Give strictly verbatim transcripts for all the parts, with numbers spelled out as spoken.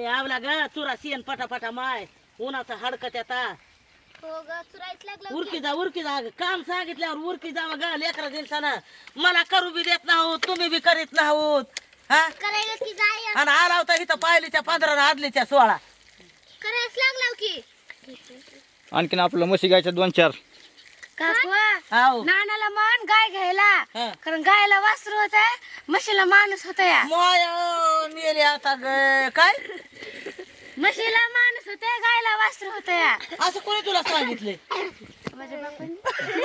ए आवला ग चुरा शेण पटापटा माय उन्हाचा हडकत आता हो ग चुरायच लागलं उरकी जा उरकी जा काम सांगितल्यावर उरकी जावं ग लेकरा दिवसानं मला करू बी देत नाहोत तुम्ही बी करीत नाहोत हा करायला की जाय आणि आला होता इथं पायलीच्या पंधरा आदलीच्या सोळा करायच लागलं की आणखीन आपलं म्हशी गायच्या दोन चार काकवा हाव नानाला मान गाय घ्यायला हा. कारण गायला वासरू होत म्हशीला माणूस होता या माय मेले आता ग काय म्हशीला माणूस होते गायला वासरू होत या असं कोणी तुला सांगितलंय माझ्या बापाने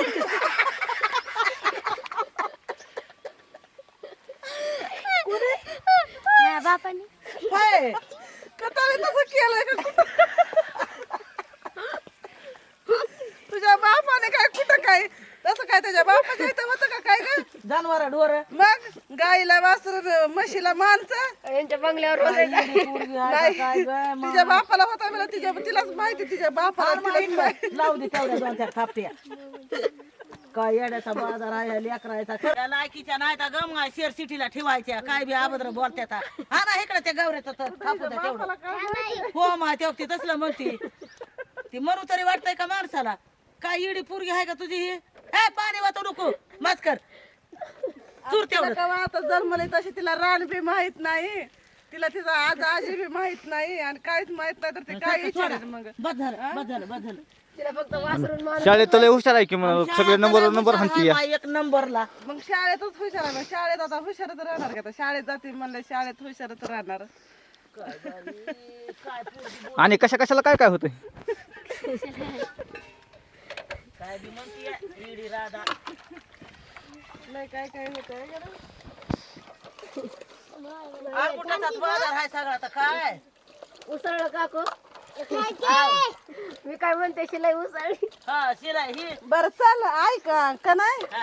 माझ्या बापाने हाय कताळे तसं केलंय का कुठं? तुझ्या बापाने काय कुठं काय तसं काय त्याच्या बापाच्या इथं होतं का काय ग जनावर ढोर मग गाईला वासरू म्हशीला माणसं यांच्या बंगल्यावर नाही तिच्या बापाला होता मला तिच्या तिलाच माहिती तिच्या बापाला तिलाच माहिती. लावू दे तेवढ्या दोन चार थापट्या काय येड्याचा बाजार आहे लेकरायचा त्या लायकीच्या नाही तर गम शेर सिटीला ठेवायच्या काय बी अभद्र बोलत्यात हा ना इकडे त्या गवऱ्याचं तर थापू द्या तेवढं हो मा तेव्हा ती तसलं म्हणती ती म्हणू तरी वाटतंय का माणसाला काय इडी पोरगी आहे का तुझी ही हे पाणी वाचू नको मास्कर चूर तिला तेवढं कवा आता जन्मले तशी तिला रान बी माहित नाही तिला तिचा आज आजी बी माहित नाही आणि काहीच माहित नाही तर ते काय विचारेल मग बस झालं बस झालं बस झालं तिला फक्त वासरून मान शाळेत लय हुशार आहे की मग सगळे नंबर नंबर हाणती या हा, एक नंबरला मग शाळेतच हुशार आहे मग शाळेत आता हुशारच राहणार का आता शाळेत जाते म्हणलं शाळेत हुशारच राहणार आणि कशा कशाला काय काय होतंय काय बी म्हणतीये इडी राधा लय काय काय होत आकुटाचाच बाजार आहे सगळा आता काय उसळलं काको मी काय म्हणते शिलाई उसळली हा शिराय ही बर चल ऐका का नाही हा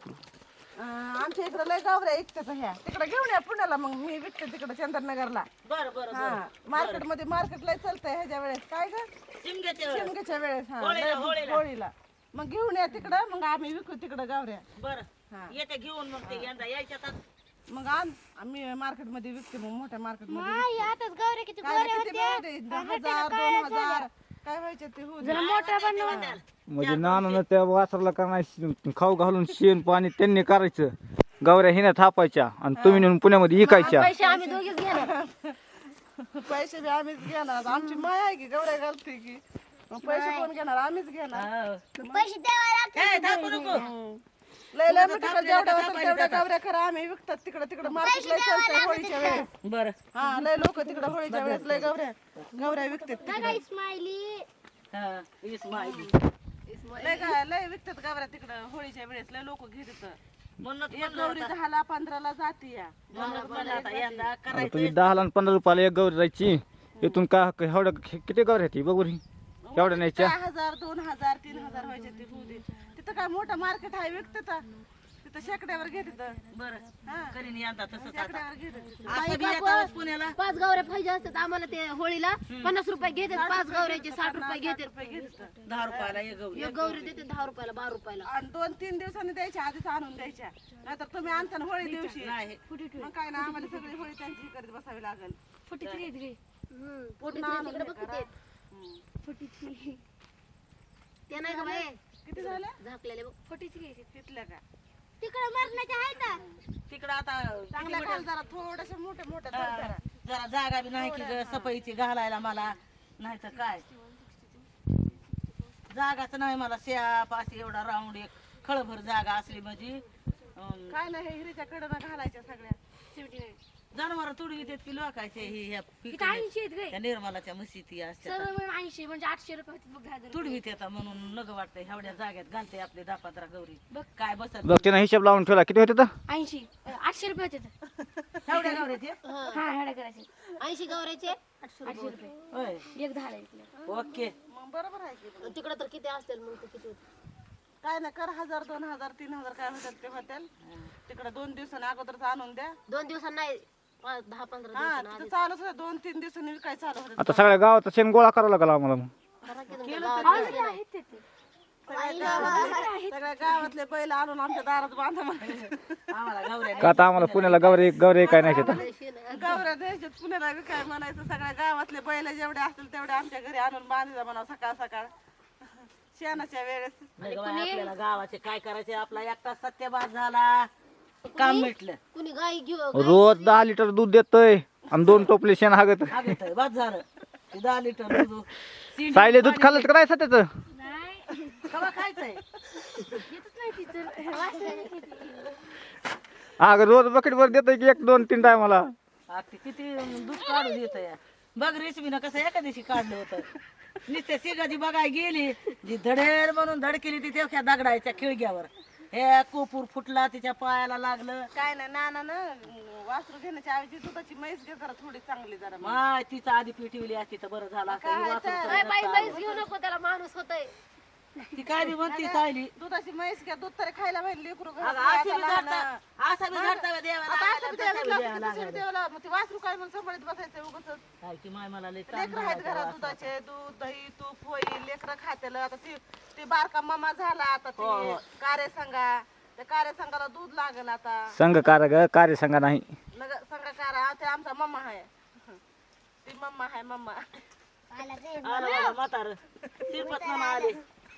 अं, आमच्या इकडे लय गावऱ्या ऐकतात ह्या तिकडे घेऊन या पुण्याला मग मी विकते तिकडे चंद्रनगरला बरं बरं हा बरं मार्केट मध्ये मार्केट लय चालतंय ह्याच्या वेळेस काय ग शिमग्याच्या शिमग्याच्या वेळेस हा होळीला, लय होळीला. होळीला मग घेऊन या तिकडं मग आम्ही विकू तिकडं गावऱ्या बरं हा. येते घेऊन मग ते यंदा यायच्यात मग आण आम्ही मार्केट मध्ये विकते मग मोठ्या मार्केट मध्ये आई आताच गौरे किती काय नाही, किती मिळाले? दहा हजार दोन हजार काय व्हायचे ते होऊ दे. मोठा बनवा म्हणजे नानानं त्या वासराला करणार खाऊ घालून शेण पाणी त्यांनी करायचं गवऱ्या हिने थापायच्या आणि तुम्ही नेऊन पुण्यामध्ये विकायच्या पैसे आम्ही दोघीच घेणार पैसे बी आम्हीच घेणार आमची माय आहे की गवऱ्या घालते की मग पैसे कोण घेणार आम्हीच घेणार पैसे द्यावा लागतात ए थांबू नको लय लय मोठे जेवढ्या होतात तेवढ्या गवऱ्या करा आम्ही विकतात तिकडं तिकडं मार्केट लय चालतंय होळीच्या वेळेस बरं हा लय लोक तिकडं होळीच्या वेळेस लय गवऱ्या गवऱ्या विकतात काय स्माइली हा इस्माईल लय गा- लय विकतात गवऱ्या तिकडं होळीच्या वेळेस लय लोक घेतात म्हणून एक गौरी दहाला पंधराला जाती या आता यंदा आता करायचं तुम्ही दहाला आणि पंधरा रुपयाला एक गवरी जायची इथून का एवढं किती गवऱ्या आहेत बघू रे एवढ्या न्यायच्या दहा हजार दोन हजार तीन हजार व्हायचे ते होऊ दे तिथं काय मोठं मार्केट आहे विकतात तिथं शेकड्यावर घेतात बरं करीन यंदा तसंच आता शेकड्यावर घेतात असं बी येतं पुण्याला पाच गावऱ्या पाहिजे असतात आम्हाला ते होळीला पन्नास रुपये घेतात पाच गावऱ्याचे साठ रुपये घेतात घेतात दहा रुपयाला एक गौरी एक गौरी देते दहा रुपयाला बारा रुपयाला आणि दोन तीन दिवसांनी द्यायच्या आधीच आणून द्यायच्या नाहीतर तुम्ही आणता ना होळी दिवशी नाही मग काय ना आम्हाला सगळी होळी त्यांची करत बसावी लागेल फुटी थ्री घे पोटी तिकडे बघ किती आहेत. फुटी थ्री ते नाही का बाई किती झाल्या झाकलेले बघ फुटी थ्री तिथल्या का तिकडे मरणाच्या आहेत ना तिकडं आता चांगल्या खाल जरा थोड्याशा मोठ्या मोठ्या हा, जरा जरा जागा बी नाही की ग सफाईची घालायला मला नाही तर काय जागाच नाही मला श्याप अशी एवढा राऊंड एक खळभर जागा असली म्हणजे अं, काय नाही हे हिरीच्या कडनं घालायच्या सगळ्या जनावर तुडवी देत की लोकायचे हे ह्या पिकं- ऐंशी आहेत गे त्या निर्मलाच्या म्हशी ती असतात सर्व मिळून ऐंशी म्हणजे आठशे रुपये होते बघ दहा तुडवी येतात म्हणून नग वाटतंय एवढ्या जाग्यात घालते आपले दहा पंधरा गौरी काय बसत बघ तिनं हिशोब लावून ठेवला किती होते तर ऐंशी आठशे रुपये होते एवढ्या गौरीचे हा हेडा करायचे ऐंशी गौऱ्याचे आठशे रुपये होय एक दहा इकडे ओके मग बरोबर आहे की तिकडे तर किती असतील मग ते किती होते काय नाही कर हजार दोन हजार तीन हजार काय होतात ते होतील तिकडे दोन दिवसांनी अगोदरच आणून द्या दोन दिवसांनी नाही पाच दहा पंधरा हा तिथं चालूच होतं दोन तीन दिवसांनी विकायचं चालू होतं आता सगळ्या गावाचा शेण गोळा करावा लागला आम्हाला मग सगळ्या गावातले सगळ्या गावातले बैल आणून आमच्या दारात बांधा म्हणायचं. आम्हाला गौऱ्या का आता आम्हाला पुण्याला गौरे गौरे काय नाही शेतात गौऱ्या द्यायच्यात पुण्याला बी काय म्हणायचं. सगळ्या गावातले बैल जेवढे असतील तेवढे आमच्या घरी आणून बांधायचा म्हणावं सकाळ सकाळ शेणाच्या वेळेस. नाही गं बाई, आपल्याला गावाचे काय करायचे आपला एकटा सत्यवाद झाला काम मिटलं. कुणी गाई घेऊ रोज दहा लिटर दूध देतोय आणि दोन टोपले शेण हागत हागत बस झालं ते दहा लिटर दूध शिंडी सायले दूध खाल्लं तर काय सत्याच कवा खायचंय अगं रोज बकेट वर देतोय की एक दोन तीन टायमाला. आ, ते किती दूध काढून येत या बघ रेशमीनं कसं एका दिवशी काढलं होतं. नुसत्या सिगाची बघाय गेली जी धडेर म्हणून धड केली ती तेवढ्या दगडायच्या खिळग्यावर हे कोपूर फुटला तिच्या पायाला लागलं. काय नाही नाना ना वासरू घेण्याच्या ऐवजी दुधाची म्हैस घे जरा थोडी चांगली जरा. माय तिचं आधी पिठवली असती तर बरं झालं असतं. ही वासरूचं बाई नसतं बाईच घेऊ नको त्याला माणूस होतय आलं. ती काय बी म्हणती सायली दुधाची म्हैस घ्या दूध तरी खायला पाहिजे लेकरू घरात अगं, आहे अशी आता बी लहान. झाडता- असा बी झाडता बी देवाला आता लागायला, असं बी तसा द्यावं बी लागतं, द्यावं तसं बी लागायला. द्यावं लागतं. मग ती वासरू काय मग सांभाळत बसायचं उगाच. काय की माय मला लय ताण लेकरं आहेत झाला त्या घरात वासराचा. दुधाचे दूध दही तूप होईल लेकरं खातेल. आता ती ती बारका मामा झाला आता हो, ती हो. कार्य संघा त्या कार्य संघाला दूध लागेल आता. संघ कार ग कार्य संघ नाही. नग संघकार ते आमचा मम्मा आहे ती मम्मा आहे मम्मा. आलं बाबा म्हातारं. शिरपत मामा आले.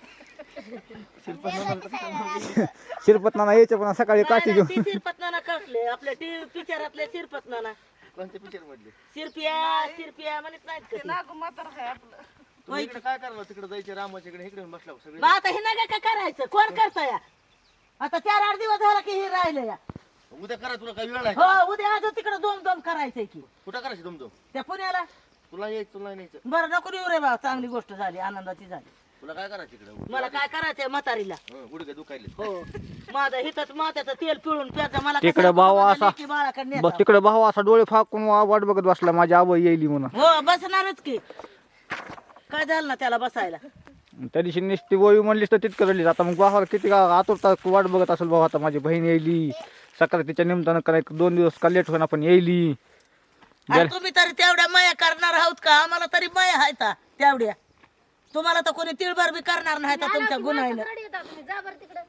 शिरपत नाना यायचे पण सकाळी काठी नाही, घेऊन ती शिरपत नाना कळले आपल्या टी पिक्चरातले शिरपत नाना. कोणत्या पिक्चर मधले शिरपिया शिरपिया म्हणत नाहीत का ते ती? नागू म्हातार आहे आपलं. तुम्ही इकडे काय करणार तिकडे जायचे रामाच्या इकडे इकडे बसला सगळे मग आता हे नका काय करायचं कोण करता या आता चार आठ दिवस झाला की हे राहिलं या. उद्या करा तुला काय वेळ आहे हो उद्या आज तिकडे दोन दोन करायचंय की कुठं करायचं तुमचं त्या पुण्याला. तुला यायचं तुला नाही न्यायचं बरं नको येऊ रे बा चांगली गोष्ट झाली आनंदाची झाली. तुला काय करायचं इकडे मला काय करायचंय म्हातारीला. गुडघे दुखायले हो माझं हिथंच मात्याचं तेल पिळून प्यायचं मला तिकडे कशाला भाव बाबा असा- लेकी बाळाकडे बस नेता. तिकडे भाऊ असा डोळे फाकून वा- वाट बघत बसला माझी आबा येईल म्हणून. हो बसणारच की काय झालं ना त्याला बसायला. त्या दिवशी नुसती वळी म्हणलीस तर तितकं रडलीस. आता मग भावाला किती का आतुरता वाट बघत असेल भाऊ. आता माझी बहीण येईली सकाळी तिच्या निमित्तानं काय दोन दिवस का लेट होईना पण येईली. आणि तुम्ही तरी तेवढ्या माया करणार आहोत का आम्हाला तरी माया आहेत हा, तेवढ्या. तुम्हाला तर कोणी तिळभर बी करणार नाही तर तुमच्या गुन्ह्यानं. तुम्ही जा बरं तिकडं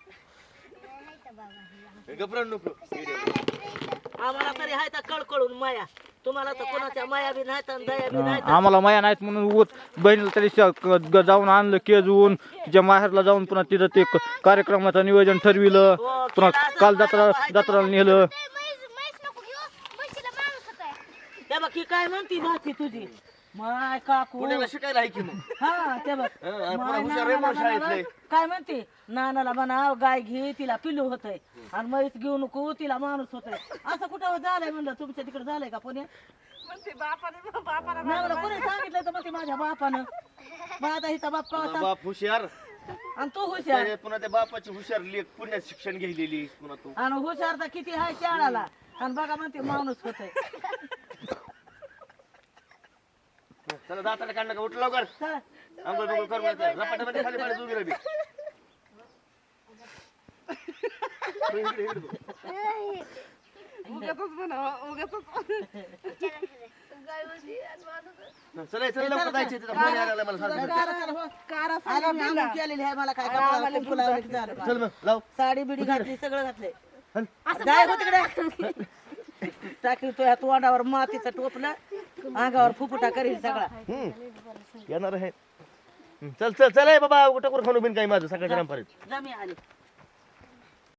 घबराट नको आम्हाला तरी हाय तर कळकळून माया. तुम्हाला तर कोणाच्या माया बी नाहीत आणि दया बी नाहीत. आम्हाला माया नाहीत म्हणून उगत बहिणीला तरी श- क- ग- जाऊन आणलं केजवून तिच्या माहेरला जाऊन पुन्हा तिथं ते क- कार्यक्रमाचं नियोजन ठरविलं. हो, पुन्हा केलं असं काल माझं जत्रा बाबा आहे जत्राला नेलं. म्हैस म्हैस नको घेऊ म्हशीला माणूस होतय. त्या बघ ही काय म्हणती भाची तुझी माय काकू. पुण्याला शिकायला आहे की मग हा ते बघ हा, आणि पुन्हा माय हुशार आहे नानाला म्हणून शाळेतले. म्हणावं, काय म्हणते नानाला म्हणाव गाय घे तिला पिल्लू होतय आणि म्हैस घेऊ नको तिला माणूस होतय. असं कुठं झालंय म्हणलं तुमच्या तिकडे झालंय का पुणे. म्हणते बापाने बापाला नाही मला कोणी सांगितलं तर म्हणते माझ्या बापानं. मग आता हिचा बाप तुझा कवा बाप हुशार आणि तू हुशार त्याने पुन्हा त्या बापाची हुशार लेख पुण्यात शिक्षण घेतलेली पुन्हा तू आणि हुशार तर किती आहे शाळाला आणि बघा म्हणते माणूस होतय. चला दाताला काढणं का उठ लवकर चला. अंघोळ बिंघोळ कर मग. रपाट्यामध्ये खाली पाणी उभी राहिली. इकडे, इकडे बघ. उगाचच म्हणावं उगाचच. गाय म्हशी आणि माणूस चला चल लवकर जायचं तिथं फोन यायला लागला मला सारखं. कारा कर हो. कारा आला मी आंघोळ केलेली आहे मला काय कपडा कुंकू लावलं की झालं बा. चल मग लाव साडी बिडी घातली सगळं घातलंय. हल. जाय हो तिकडे टाकी तो तोंडावर मातीचं टोपलं अंगावर फुफुटा करील सगळा. हम्म. येणार आहे हम्म. चल चल चल ए बाबा कुठं खाणू बिन काही माझं सकाळच्या रामपारीत जमी आली